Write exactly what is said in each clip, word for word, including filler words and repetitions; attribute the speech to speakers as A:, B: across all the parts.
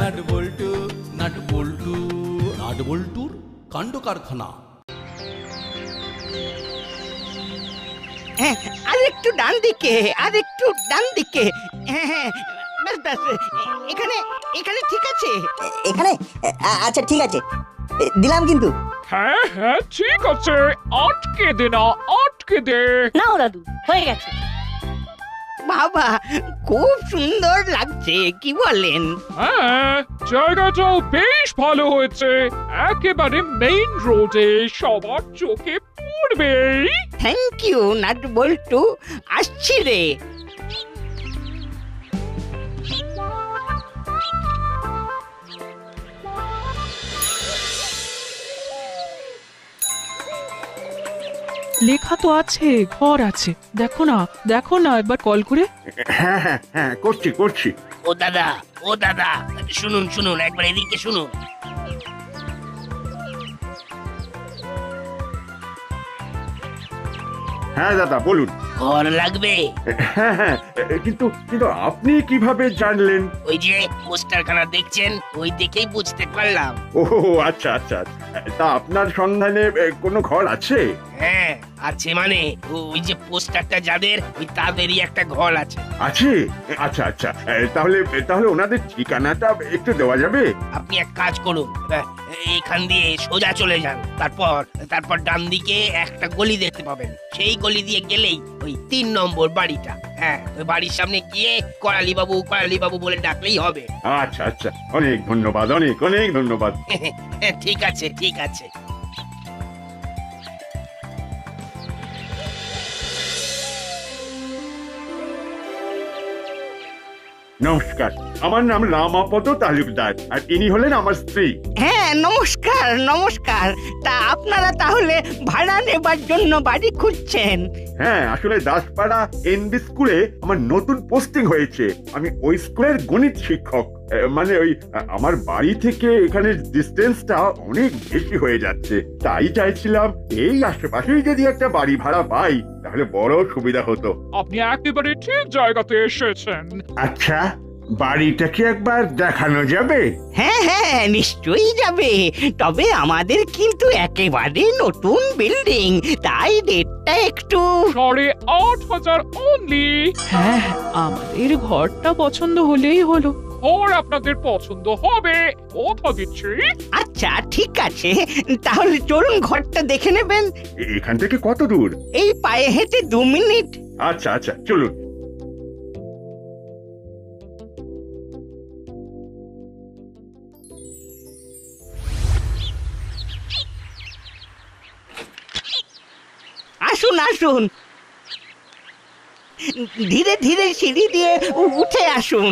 A: Nut বল্টু nut বল্টু nut বল্টুর কাণ্ড কারখানা।
B: হ্যাঁ, আর একটু ডান দিকে, আর একটু ডান দিকে। হ্যাঁ হ্যাঁ, ব্যাস ব্যাস, এখানে এখানে ঠিক আছে।
C: এখানে আ- আচ্ছা ঠিক আছে, এ, দিলাম কিন্তু।
D: হ্যাঁ হ্যাঁ ঠিক আছে, আটকে দে না, আটকে দে।
E: নাও দাদু, হয়ে গেছে।
B: বাবা, খুব সুন্দর লাগছে, কি বলেন?
D: হ্যাঁ, জায়গাটাও বেশ ভালো হয়েছে, একেবারে মেইন রোডে, সবার চোখে পড়বে।
B: থ্যাংক ইউ নাট বল্টু, আসছি রে।
F: লেখা তো আছে, ঘর আছে, দেখো না, দেখো না একবার কল করে।
G: হ্যাঁ হ্যাঁ হ্যাঁ, করছি করছি।
H: ও দাদা, ও দাদা, শুনুন শুনুন, একবার এদিকে শুনুন।
G: হ্যাঁ দাদা বলুন।
H: ঘর লাগবে?
G: হ্যাঁ হ্যাঁ, কিন্তু কিন্তু আপনি কিভাবে জানলেন?
H: ওই যে পোস্টারখানা দেখছেন, ওই দেখেই বুঝতে পারলাম।
G: ও আচ্ছা আচ্ছা, তা আপনার সন্ধানে এ, কোনো ঘর আছে?
H: হ্যাঁ আছে, মানে ওই যে পোস্টারটা যাদের, ওই তাদেরই একটা ঘর আছে।
G: আছে? আচ্ছা আচ্ছা, এ, তাহলে তাহলে ওনাদের ঠিকানাটা একটু দেওয়া যাবে?
H: আপনি এক কাজ করুন, আহ, এইখান দিয়ে সোজা চলে যান, তারপর তারপর ডান দিকে একটা গলি দেখতে পাবেন, সেই গলি দিয়ে গেলেই ওই তিন নম্বর বাড়িটা। হ্যাঁ, ওই বাড়ির সামনে গিয়ে করালি বাবু করালি বাবু বলে ডাকলেই হবে।
G: আচ্ছা আচ্ছা, অনেক ধন্যবাদ, অনেক অনেক ধন্যবাদ।
H: ঠিক আছে ঠিক আছে।
G: নমস্কার, আমার নাম রামাপদ তালুকদার, আর ইনি হলেন আমার স্ত্রী।
B: হ্যাঁ নমস্কার নমস্কার, তা আপনারা তাহলে ভাড়া নেবার জন্য বাড়ি খুঁজছেন?
G: হ্যাঁ, আসলে দাসপাড়া এনবি স্কুলে আমার নতুন পোস্টিং হয়েছে, আমি ওই স্কুলের গণিত শিক্ষক। এ, মানে ওই আ, আমার বাড়ি থেকে এখানের ডিস্টেন্সটা অনেক বেশি হয়ে যাচ্ছে, তাই চাইছিলাম এই আশেপাশেই যদি একটা বাড়ি ভাড়া পাই তাহলে বড় সুবিধা হতো।
D: আপনি একেবারে ঠিক জায়গাতে এসেছেন।
G: আচ্ছা, বাড়িটা কি একবার দেখানো যাবে?
B: হ্যাঁ হ্যাঁ নিশ্চয়ই যাবে, তবে আমাদের কিন্তু একেবারে নতুন বিল্ডিং, তাই রেটটা একটু।
D: সাড়ে আট হাজার অনলি।
F: হ্যাঁ হ্যাঁ, আমাদের ঘরটা পছন্দ হলেই হলো।
D: ঘর আপনাদের পছন্দ হবে, কথা দিচ্ছি।
B: আচ্ছা ঠিক আছে, তাহলে চলুন ঘরটা দেখে নেবেন।
G: এ- এখান থেকে কত দূর?
B: এই পায়ে হেঁটে দু মিনিট।
G: আচ্ছা আচ্ছা, চলুন।
B: আসুন আসুন, ধীরে ধীরে সিঁড়ি দিয়ে উ- উঠে আসুন।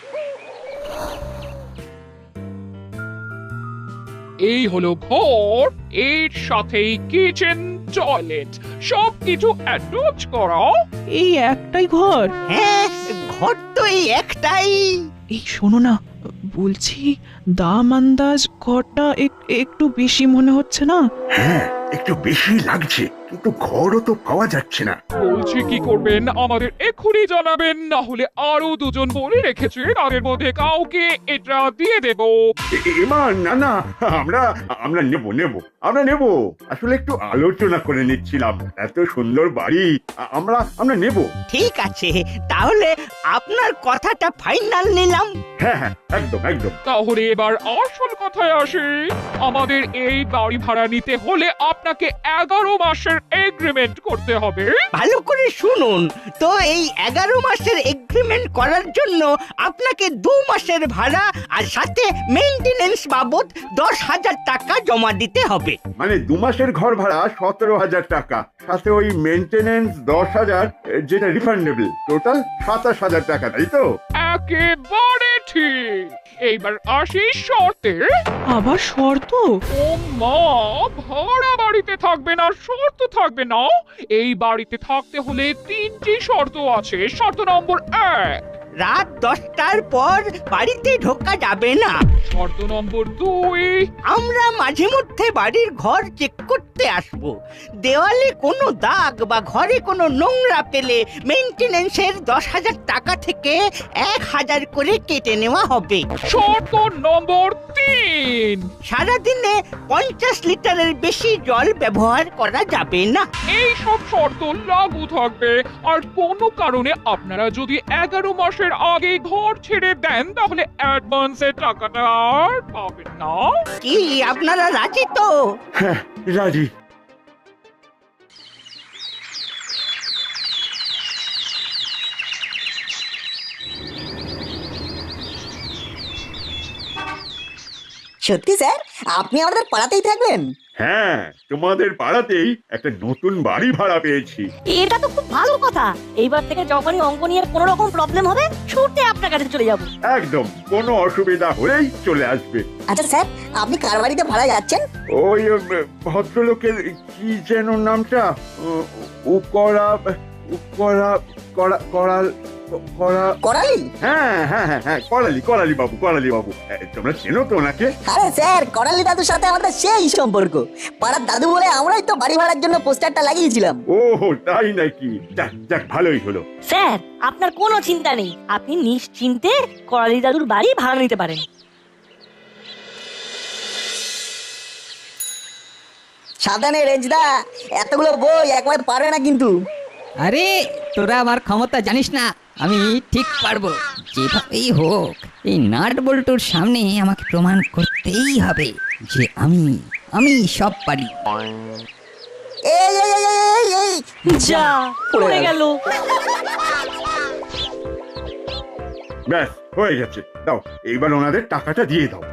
D: এই হলো ঘর, এর সাথেই কিচেন, টয়লেট, সবকিছু অ্যাটাচ করা।
F: এই একটাই ঘর?
B: হ্যাঁ, ঘর তো এই একটাই।
F: এই শোনো না, বলছি দাম আন্দাজ ঘরটা এক- একটু বেশি মনে হচ্ছে না?
G: হ্যাঁ, একটু বেশি লাগছে, কিন্তু ঘরও তো পাওয়া যাচ্ছে না।
D: বলছি কি করবেন, আমাদের এক্ষুনি জানাবেন, না হলে আরো দুজন বলে রেখেছে, তাদের মধ্যে কাউকে এটা দিয়ে দেব।
G: এ- এবার না না, আমরা আমরা নেব নেব আমরা নেব, আসলে একটু আলোচনা করে নিচ্ছিলাম, এত সুন্দর বাড়ি, আ- আমরা আমরা নেব।
B: ঠিক আছে, তাহলে আপনার কথাটা ফাইনাল নিলাম।
G: হ্যাঁ হ্যাঁ, একদম একদম।
D: তাহলে এবার আসল কথায় আসি, আমাদের এই বাড়ি ভাড়া নিতে হলে আপনাকে এগারো মাসের এগ্রিমেন্ট করতে হবে।
B: ভালো করে শুনুন তো, এই এগারো মাসের এগ্রিমেন্ট করার জন্য আপনাকে দু মাসের ভাড়া আর সাথে মেইনটেনেন্স বাবদ দশ হাজার টাকা জমা দিতে হবে।
G: মানে দু মাসের ঘর ভাড়া সতেরো হাজার টাকা, সাথে ওই মেনটেনেন্স দশ হাজার, এ, যেটা রিফান্ডেবল, টোটাল সাতাশ হাজার টাকা, তাই তো?
D: একেবারে ঠিক। এইবার আসি শর্তে।
F: আবার শর্ত?
D: ও মা, ভাড়া বাড়িতে থাকবে না, শর্ত থাকবে না। এই বাড়িতে থাকতে হলে তিনটি শর্ত আছে। শর্ত নম্বর এক,
B: রাত দশটার পর বাড়িতে ঢোকা যাবে না।
D: শর্ত নম্বর দুই,
B: আমরা মাঝে মধ্যে বাড়ির ঘর চেক করতে আসব। দেওয়ালে কোনো দাগ বা ঘরে কোনো নোংরা পেলে মেইনটেনেন্সের দশ হাজার টাকা থেকে এক হাজার করে কেটে নেওয়া হবে।
D: শর্ত নম্বর তিন,
B: সারাদিনে পঞ্চাশ লিটারের বেশি জল ব্যবহার করা যাবে না।
D: এই সব শর্ত লাগু থাকবে। আর কোনো কারণে আপনারা যদি এগারো মাসের আগে ঘর ছেড়ে দেন তাহলে অ্যাডভান্সের টাকাটা আর পাবেন না।
B: কি আপনারা রাজি তো?
G: হ্যাঁ রাজি।
C: সত্যি স্যার, আপনি আমাদের পাড়াতেই থাকবেন?
G: হ্যাঁ, তোমাদের পাড়াতেই একটা নতুন বাড়ি ভাড়া পেয়েছি।
E: এটা তো খুব ভালো কথা। এইবার থেকে যখনই অঙ্ক নিয়ে কোনো রকম প্রবলেম হবে ছুটে আপনার কাছে চলে যাব।
G: একদম, কোনো অসুবিধা হলেই চলে আসবে।
C: আচ্ছা স্যার, আপনি কার বাড়িতে ভাড়া যাচ্ছেন?
G: ওই উম, ভদ্রলোকের কি যেন নামটা, উ- উকরা উকরা করা করাল করা
C: করালি?
G: হ্যাঁ হ্যাঁ হ্যাঁ হ্যাঁ করালি করালি বাবু করালি বাবু এ, তোমরা চেনো তো ওনাকে?
C: আরে স্যার, করালি দাদুর সাথে আমাদের সেই সম্পর্ক। পাড়ার দাদু বলে আমরাই তো বাড়ি ভাড়ার জন্য পোস্টারটা লাগিয়েছিলাম।
G: ও তাই নাকি? যাক যাক, ভালোই হলো।
E: স্যার, আপনার কোনো চিন্তা নেই। আপনি নিশ্চিন্তে করালি দাদুর বাড়ি ভাড়া নিতে পারেন।
C: সাবধানে রেঞ্জদা, এতগুলো বই একবার পারবে না কিন্তু।
I: আরে তোরা আমার ক্ষমতা জানিস না, আমি ঠিক পারবো। যেভাবেই হোক এই নাট বল্টুর সামনে আমাকে প্রমাণ করতেই হবে যে আমি আমি সব পারি।
C: এই এই এই, এই এই
E: যা পড়ে গেল।
G: ব্যাস হয়ে গেছে, দাও এইবার ওনাদের টাকাটা দিয়ে দাও।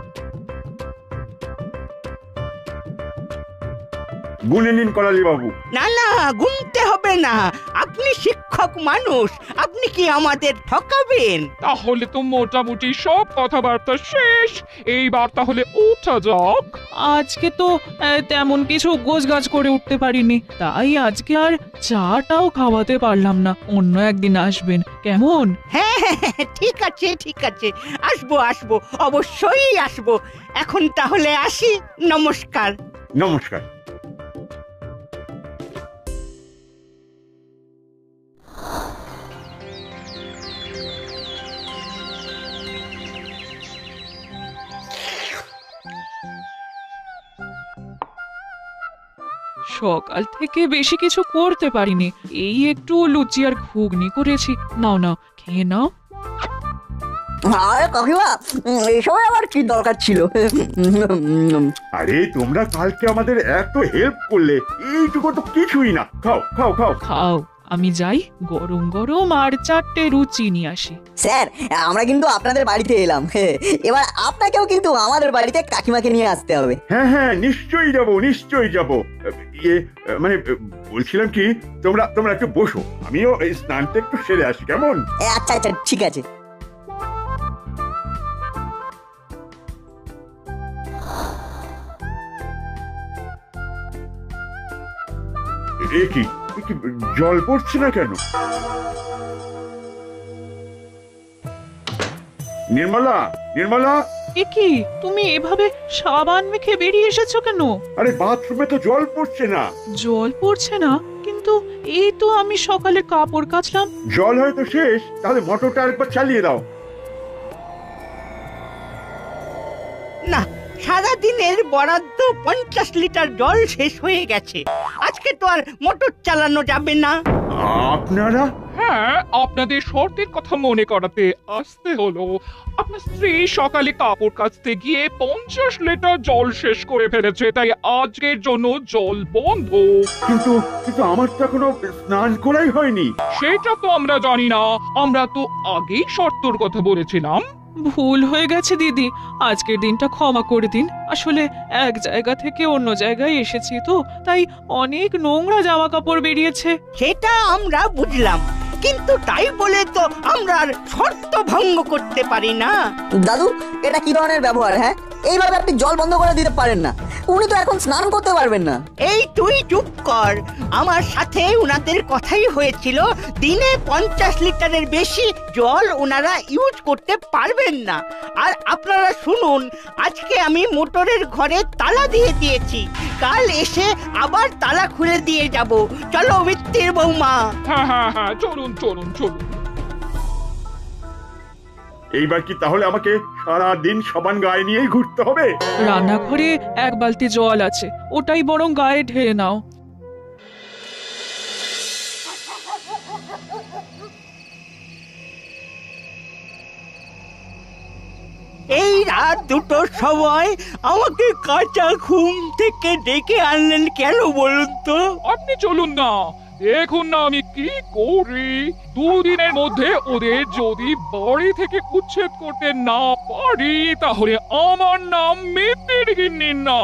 G: গুনে নিন করালি বাবু।
B: না না, গুনতে হবে না। আপনি শিক্ষক মানুষ, আপনি কি আমাদের ঠকাবেন?
D: তাহলে তো মোটামুটি সব কথাবার্তা শেষ। এইবার তাহলে উঠা যাক।
F: আজকে তো আহ, তেমন কিছু গোছগাছ করে উঠতে পারিনি, তাই আজকে আর চাটাও খাওয়াতে পারলাম না। অন্য একদিন আসবেন কেমন?
B: হ্যাঁ হ্যাঁ, হ্যাঁ, ঠিক আছে ঠিক আছে, আসবো আসবো, অবশ্যই আসবো। এখন তাহলে আসি, নমস্কার।
G: নমস্কার।
F: সকাল থেকে বেশি কিছু করতে পারিনি, এই একটু লুচি আর ঘুগনি করেছি। নাও নাও, খেয়ে নাও।
C: আরে কাকিমা, এসব আবার কি দরকার ছিল?
G: আরে তোমরা কালকে আমাদের এত হেল্প করলে, এইটুকু তো কিছুই না। খাও খাও খাও।
F: খাও, আমি যাই গরম গরম আর চারটে লুচি নিয়ে আসি।
C: স্যার, আমরা কিন্তু আপনাদের বাড়িতে এলাম, এবার আপনাকেও কিন্তু আমাদের বাড়িতে কাকিমাকে নিয়ে আসতে হবে।
G: হ্যাঁ হ্যাঁ, নিশ্চয়ই যাব নিশ্চয়ই যাব। ইয়ে মানে বলছিলাম কি, তোমরা তোমরা একটু বসো, আমিও এই স্নানটা একটু সেরে আসি, কেমন?
C: এ, আচ্ছা আচ্ছা, ঠিক আছে।
G: এ কি এ কি, জল পড়ছে না কেন? নির্মলা, নির্মলা,
F: এ কি, তুমি এভাবে সাবান মেখে বেরিয়ে এসেছো কেন?
G: আরে বাথরুমে তো জল পড়ছে না।
F: জল পড়ছে না? কিন্তু এই তো আমি সকালে কাপড় কাচলাম।
G: জল হয়তো শেষ, তাহলে মোটরটা একবার চালিয়ে দাও।
B: না, সারাদিনের বরাদ্দ পঞ্চাশ লিটার জল শেষ হয়ে গেছে। আজকে তো আর মোটর চালানো যাবে না।
G: আপনারা?
D: হ্যাঁ, আপনাদের শর্তের কথা মনে করাতে আসতে হলো। আপনার স্ত্রী সকালে কাপড় কাচতে গিয়ে পঞ্চাশ লিটার জল শেষ করে ফেলেছে, তাই আজকের জন্য জল বন্ধ।
G: কিন্তু কিন্তু আমার তো এখনো স্নান করাই হয়নি।
D: সেটা তো আমরা জানি না, আমরা তো আগেই শর্তর কথা বলেছিলাম।
F: ভুল হয়ে গেছে দিদি, আজকের দিনটা ক্ষমা করে দিন। আসলে এক জায়গা থেকে অন্য জায়গায় এসেছি তো, তাই অনেক নোংরা জামা কাপড় বেরিয়েছে।
B: সেটা আমরা বুঝলাম, কিন্তু তাই বলে তো আমরা আর শর্ত ভঙ্গ করতে পারি না।
C: দাদু, এটা কি ধরনের ব্যবহার? হ্যাঁ, এইভাবে আপনি জল বন্ধ করে দিতে পারেন না। উনি তো এখন স্নান করতে পারবেন না।
B: এই তুই চুপ কর। আমার সাথে উনাদের কথাই হয়েছিল দিনে পঞ্চাশ লিটারের বেশি জল ওনারা ইউজ করতে পারবেন না। আর আপনারা শুনুন, আজকে আমি মোটরের ঘরে তালা দিয়ে দিয়েছি, কাল এসে আবার তালা খুলে দিয়ে যাব। চলো মিত্তির বৌমা।
D: হ্যাঁ হ্যাঁ হ্যাঁ, চলুন চলুন চলুন।
G: এইবার কি তাহলে আমাকে সারা দিন সাবান গায়ে নিয়েই ঘুরতে হবে?
F: রান্নাঘরে এক বালতি জল আছে, ওটাই বরং গায়ে ঢেলে নাও।
B: এই রাত দুটোর সময় আমাকে কাঁচা ঘুম থেকে ডেকে আনলেন কেন বলুন তো?
D: আপনি চলুন না, দেখুন না আমি কি করি। দুদিনের মধ্যে ওদের যদি বাড়ি থেকে উচ্ছেদ করতে না পারি তাহলে আমার নাম মিত্তির গিন্নি না।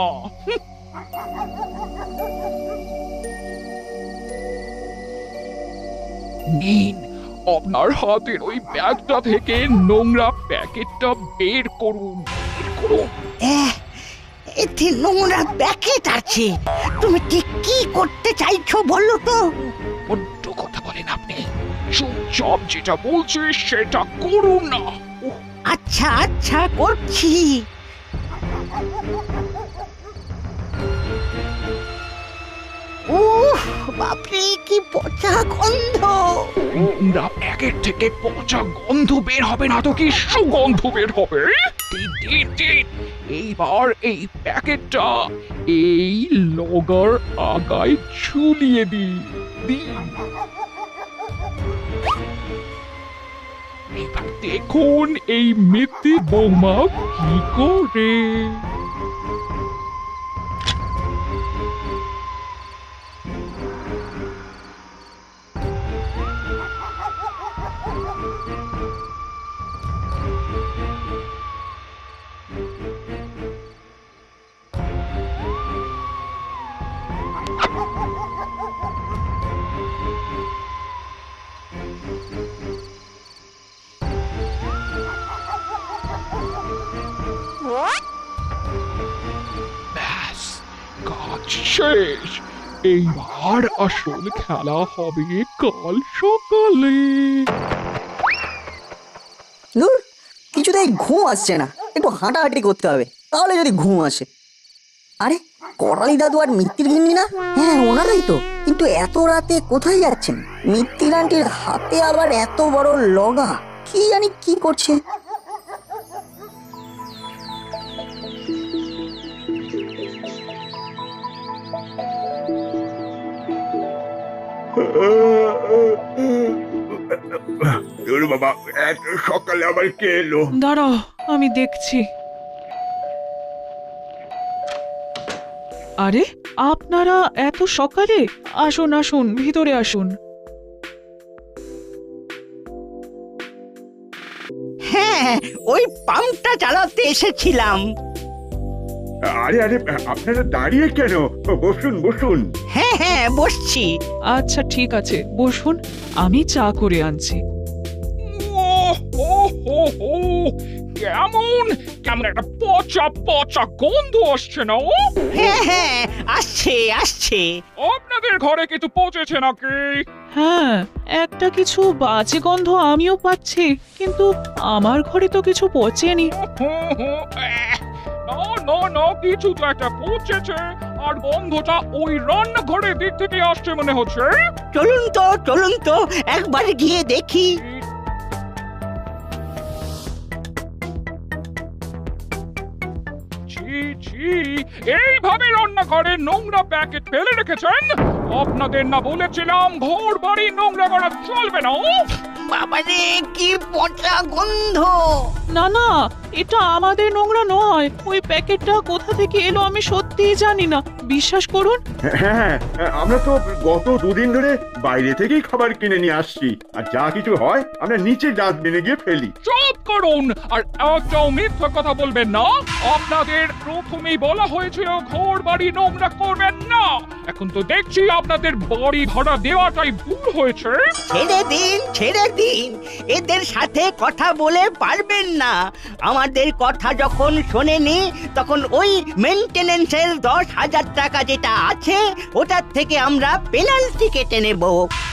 D: নিন, আপনার হাতের ওই ব্যাগটা থেকে নোংরা প্যাকেটটা বের করুন, বের করুন।
B: এহ, এতে নোংরা প্যাকেট আছে। তুমি ঠিক কি করতে চাইছো বলো তো?
D: বড্ড কথা বলেন আপনি, চুপচাপ যেটা বলছি সেটা করুন না। উহ,
B: আচ্ছা আচ্ছা করছি। উফ, বাপরে কি পচা গন্ধ!
D: নোংরা প্যাকেট থেকে পচা গন্ধ বের হবে না তো কি সুগন্ধ বের হবে? দিন, দিন, দিন। এইবার এই প্যাকেটটা এই লগার আগায় ঝুলিয়ে দিন দিন। এবার দেখুন এই মিত্তি বৌমা কি করে। ব্যাস, কাজ শেষ। এইবার আসল খেলা হবে কাল সকালে।
C: ধুর, কিছুতেই ঘুম আসছে না, একটু হাঁটাহাঁটি করতে হবে, তাহলে যদি ঘুম আসে। আরে করালি দাদু আর মিত্তির গিন্নি না? হ্যাঁ ওনারাই তো। কিন্তু এত রাতে কোথায় যাচ্ছেন? মিত্তির আন্টির হাতে আবার এত বড় লগা, কি জানি কি করছে।
G: দূর বাবা, এত সকালে আবার কে এলো?
F: দাঁড়াও, আমি দেখছি। আরে আপনারা এত সকালে? আসুন আসুন, ভিতরে আসুন।
B: হ্যাঁ, ওই পাম্পটা চালাতে এসেছিলাম।
G: আরে আরে, আপনারা দাঁড়িয়ে কেন? বসুন বসুন।
B: হ্যাঁ হ্যাঁ বসছি।
F: আচ্ছা ঠিক আছে, বসুন, আমি চা করে আনছি।
D: ওহ, ওহ, ওহ, ওহ, কেমন কেমন একটা পচা পচা গন্ধ আসছে না? ও
B: হ্যাঁ হ্যাঁ আসছে আসছে।
D: আপনাদের ঘরে কিছু পচেছে নাকি?
F: হ্যাঁ, একটা কিছু বাজে গন্ধ আমিও পাচ্ছি, কিন্তু আমার ঘরে তো কিছু পচেনি।
D: হুম, হুম, এহ, না না না, কিছু তো একটা পচেছে। আর গন্ধটা ওই রান্নাঘরের দিক থেকে আসছে মনে হচ্ছে।
B: চলুন তো চলুন তো একবার গিয়ে দেখি।
D: ছি ছি, এইভাবে রান্নাঘরে নোংরা প্যাকেট ফেলে রেখেছেন? আপনাদের না বলেছিলাম ঘর বাড়ি নোংরা করা চলবে না? উফ!
B: বাবারে কি পচা গন্ধ!
F: না না, এটা আমাদের নোংরা নয়। ওই প্যাকেটটা কোথা থেকে এলো আমি সত্যিই জানি না, বিশ্বাস করুন।
G: হ্যাঁ, আমরা তো গত দুদিন ধরে বাইরে থেকেই খাবার কিনে নিয়ে আসছি, আর যা কিছু হয় আমরা নিচে ডাস্টবিনে গিয়ে ফেলি।
D: চুপ করুন আর একটাও মিথ্যা কথা বলবেন না। আপনাদের প্রথমেই বলা হয়েছিল ঘর বাড়ি নোংরা করবেন না। এখন তো দেখছি আপনাদের বাড়ি ভাড়া দেওয়াটাই ভুল হয়েছে।
B: ছেড়ে দিন ছেড়ে দিন, এদের সাথে কথা বলে পারবেন না। আমাদের কথা যখন শোনেনি তখন ওই মেনটেনেন্সের দশ হাজার টাকা যেটা আছে ওটার থেকে আমরা পেনাল্টি কেটে নেব।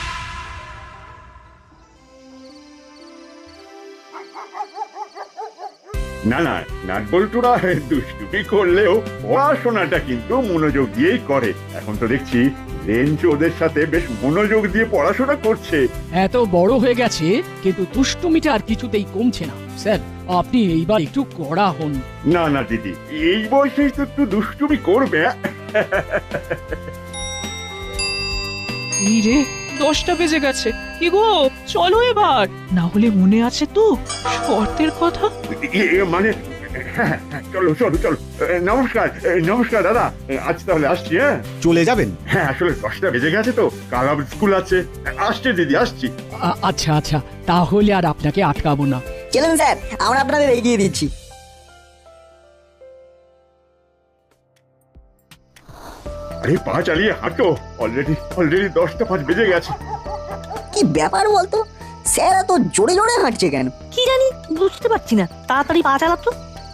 G: না না, নাটবল্টুরা দুষ্টুমি করলেও পড়াশোনাটা কিন্তু মনোযোগ দিয়েই করে। এখন তো দেখছি রেঞ্জ ওদের সাথে বেশ মনোযোগ দিয়ে পড়াশোনা করছে।
J: এত বড় হয়ে গেছে কিন্তু দুষ্টুমিটা আর কিছুতেই কমছে না। স্যার, আপনি এইবার একটু কড়া হন।
G: না না দিদি, এই বয়সেই তো একটু দুষ্টুমি করবে।
F: এই রে, দশটা বেজে গেছে। কি গো, চলো এবার। না হলে মনে আছে তো শর্তের কথা?
G: এ- এ, মানে হ্যাঁ, হ্যাঁ, চলো চলো চলো। এ, নমস্কার এ, নমস্কার দাদা, এ, আজ তাহলে আসছি। হ্যাঁ
K: চলে যাবেন?
G: হ্যাঁ, আসলে দশটা বেজে গেছে তো, কাল আবার স্কুল আছে। আসছে দিদি, আসছি।
J: আ- আচ্ছা আচ্ছা, তাহলে আর আপনাকে আটকাবো না।
C: চলুন স্যার, আমরা আপনাদের এগিয়ে দিচ্ছি।
G: আরে পা চালিয়ে হাঁটো, অলরেডি অলরেডি দশটা পাঁচ বেজে গেছে।
C: কি ব্যাপার বলতো, স্যার এত জোরে জোরে হাঁটছে কেন?
E: কি জানি, বুঝতে পারছি না। তাড়াতাড়ি পা চালাতো।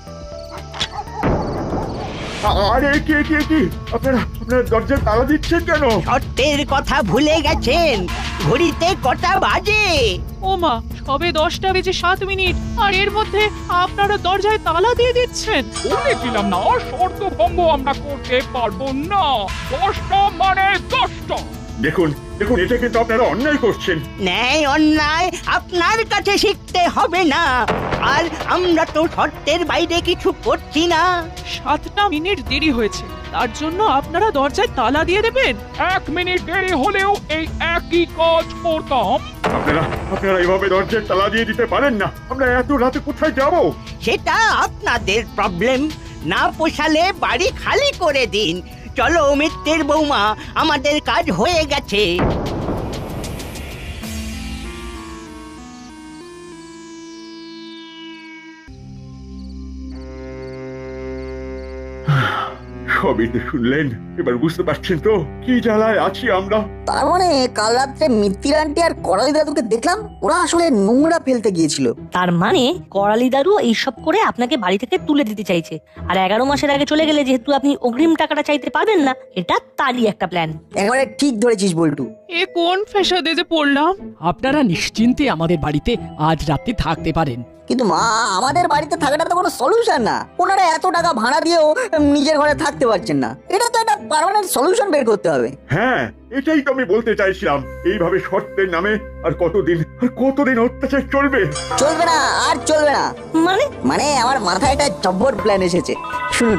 G: আ- আরে কে কে কি আপনারা আপনারা দরজায় তালা দিচ্ছেন কেন?
B: শর্তের কথা ভুলে গেছেন? ঘড়িতে কটা বাজে?
F: ও মা, সবে দশটা বেজে সাত মিনিট আর এর মধ্যে আপনারা দরজায় তালা দিয়ে দিচ্ছেন।
D: বলেছিলাম না শর্ত ভঙ্গ আমরা করতে পারবো না। দশটা মানে দশটা।
G: দেখুন দেখুন, এটা কিন্তু আপনারা অন্যায় করছেন।
B: ন্যায় অন্যায় আপনার কাছে শিখতে হবে না। আর আমরা তো শর্তের বাইরে কিছু করছি না।
F: সাতটা মিনিট দেরি হয়েছে, তার জন্য আপনারা দরজায় তালা দিয়ে দেবেন?
D: এক মিনিট দেরি হলেও এই একই কাজ করতাম।
G: আপনারা আপনারা এইভাবে দরজায় তালা দিয়ে দিতে পারেন না। আমরা এত রাতে কোথায় যাব?
B: সেটা আপনাদের প্রবলেম। না পোষালে বাড়ি খালি করে দিন। চলো মিত্রের বৌমা, আমাদের কাজ হয়ে গেছে।
G: সবই তো শুনলেন, এবার বুঝতে পারছেন তো কি জ্বালায় আছি আমরা।
C: তার মানে কাল রাত্রে মিত্তির আন্টি আর করালি দাদুকে দেখলাম ওরা আসলে নোংরা ফেলতে গিয়েছিল।
E: তার মানে করালি দাদু এইসব করে আপনাকে বাড়ি থেকে তুলে দিতে চাইছে। আর এগারো মাসের আগে চলে গেলে যেহেতু আপনি অগ্রিম টাকাটা চাইতে পারবেন না, এটা তারই একটা প্ল্যান।
C: একেবারে ঠিক ধরেছিস বল্টু।
F: এ কোন ফ্যাসাদে যে পড়লাম।
J: আপনারা নিশ্চিন্তে আমাদের বাড়িতে আজ রাতে থাকতে পারেন।
C: কিন্তু মা, আমাদের বাড়িতে থাকাটা তো কোনো সলিউশন না। ওনারা এত টাকা ভাড়া দিয়েও নিজের ঘরে থাকতে পারছেন না। এটা তো একটা পার্মানেন্ট সলিউশন বের করতে হবে।
G: হ্যাঁ, এটাই তো আমি বলতে চাইছিলাম। এইভাবে শর্তের নামে আর কতদিন আর কতদিন অত্যাচার চলবে?
C: চলবে না, আর চলবে না।
E: মানে
C: মানে আমার মাথায় একটা জব্বর প্ল্যান এসেছে, শুনুন।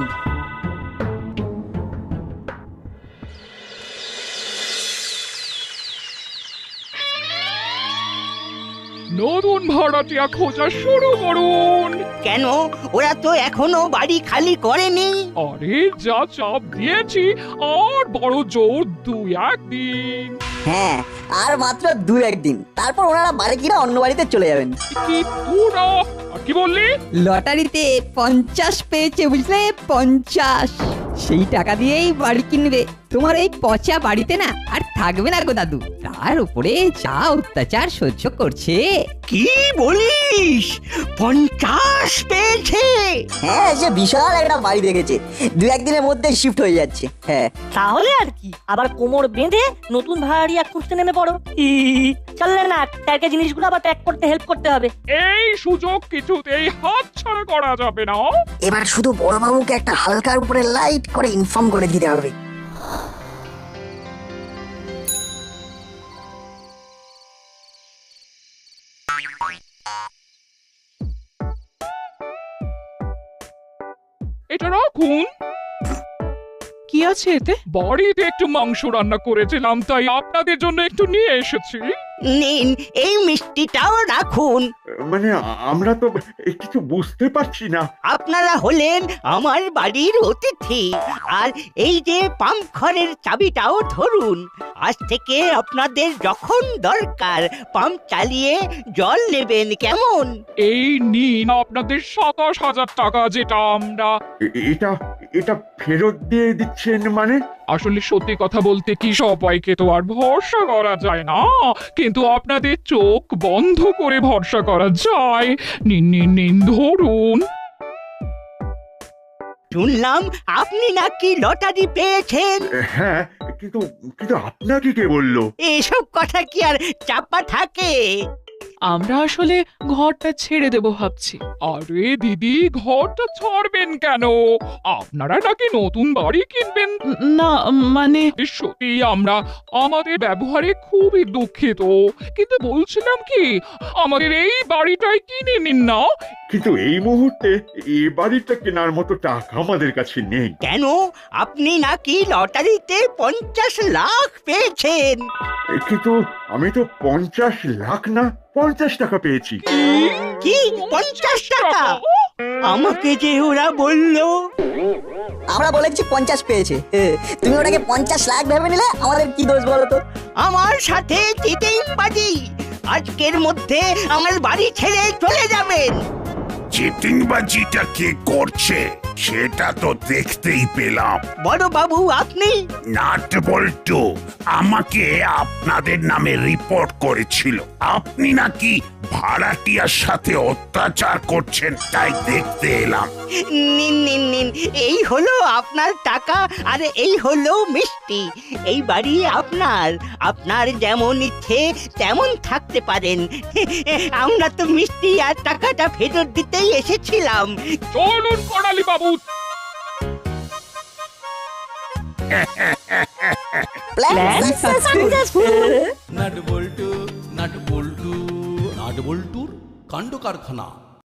D: নতুন ভাড়াটিয়া খোঁজা শুরু করুন।
B: কেন, ওরা তো এখনো বাড়ি খালি করেনি।
D: আরে যা চাপ দিয়েছি, আর বড় জোর দুই একদিন।
C: হ্যাঁ, আর মাত্র দু একদিন, তারপর ওনারা বাড়ি কিনা অন্য বাড়িতে চলে যাবেন।
D: কি তোরা আর কি বললি?
I: লটারিতে পঞ্চাশ পেয়েছে বুঝলে, পঞ্চাশ। সেই টাকা দিয়েই বাড়ি কিনবে। তোমার এই পচা বাড়িতে না আর থাকবে না গো দাদু। তার উপরে যা অত্যাচার সহ্য করছে।
B: কি বলিস? পঞ্চাশ পেয়েছে?
C: হ্যাঁ, সে বিশাল একটা বাড়ি দেখেছে, দু একদিনের মধ্যে শিফট হয়ে যাচ্ছে। হ্যাঁ,
E: তাহলে আর কি, আবার কোমর বেঁধে নতুন ভাড়াটিয়া খুঁজতে নেমে পড়ো। ই, চললে না, স্যারকে জিনিসগুলো আবার প্যাক করতে হেল্প করতে হবে।
D: এই সুযোগ কিছুতেই হাত ছাড়া করা যাবে না।
C: এবার শুধু বড়বাবুকে একটা হালকার উপরে লাইট করে ইনফর্ম করে দিতে হবে।
D: এটা রাখুন।
F: কি আছে এতে?
D: বাড়িতে একটু মাংস রান্না করেছিলাম, তাই আপনাদের জন্য একটু নিয়ে এসেছি।
B: নিন এই মিষ্টিটাও রাখুন।
G: মানে আ- আমরা তো কিছু বুঝতে পারছি না।
B: আপনারা হলেন আমার বাড়ির অতিথি, আর এই যে পাম্প ঘরের চাবিটাও ধরুন। আজ থেকে আপনাদের যখন দরকার পাম্প চালিয়ে জল নেবেন, কেমন?
D: এই নিন আপনাদের সাতাশ হাজার টাকা, যেটা আমরা
G: এ- এটা এটা ফেরত দিয়ে দিচ্ছেন মানে?
D: আসলে সত্যি কথা বলতে কি সবাইকে তো আর ভরসা করা যায় না, কিন্তু আপনাদের চোখ বন্ধ করে ভরসা করা যায়। নিন নিন নিন ধরুন।
B: শুনলাম আপনি নাকি লটারি পেয়েছেন।
G: হ্যাঁ, কিন্তু কিন্তু আপনাকে কে বললো?
B: এসব কথা কি আর চাপা থাকে?
F: আমরা আসলে ঘরটা ছেড়ে দেব ভাবছি।
D: আরে দিদি, ঘরটা ছাড়বেন কেন? আপনারা নাকি নতুন বাড়ি কিনবেন?
F: উম, না মানে
D: সত্যি আমরা আমাদের ব্যবহারে খুবই দুঃখিত, কিন্তু বলছিলাম কি, আমাদের এই বাড়িটাই কিনে নিন না।
G: কিন্তু এই মুহূর্তে এ বাড়িটা কেনার মতো টাকা আমাদের কাছে নেই।
B: কেন? আপনি নাকি লটারিতে পঞ্চাশ লাখ পেয়েছেন।
G: এ, কিন্তু আমি তো পঞ্চাশ লাখ না, পঞ্চাশ টাকা পেয়েছি।
B: কি পঞ্চাশ টাকা? আমাকে যে ওরা বললো।
C: আমরা বলেছি পঞ্চাশ পেয়েছে, এ, তুমি ওটাকে পঞ্চাশ লাখ ভেবে নিলে আমাদের কি দোষ বলো তো?
B: আমার সাথে চিটিংবাজি। আজকের মধ্যে আমার বাড়ি ছেড়ে চলে যাবেন।
K: চিটিংবাজিটা কে করছে সেটা তো দেখতেই পেলাম।
B: বড় বাবু আপনি?
K: নাট বল্টু আমাকে আপনাদের নামে রিপোর্ট করেছিল। আপনি নাকি ভাড়াটিয়ার সাথে অত্যাচার করছেন, তাই দেখতে এলাম।
B: নিন নিন নিন, এই হলো আপনার টাকা, আর এই হলো মিষ্টি। এই বাড়ি আপনার, আপনার যেমন ইচ্ছে তেমন থাকতে পারেন। আমরা তো মিষ্টি আর টাকাটা ফেরত দিতেই এসেছিলাম।
D: চলুন করালি বাবু।
C: Plan successful.
A: নাট বল্টু নাট বল্টু নাট বল্টুর কাণ্ড কারখানা।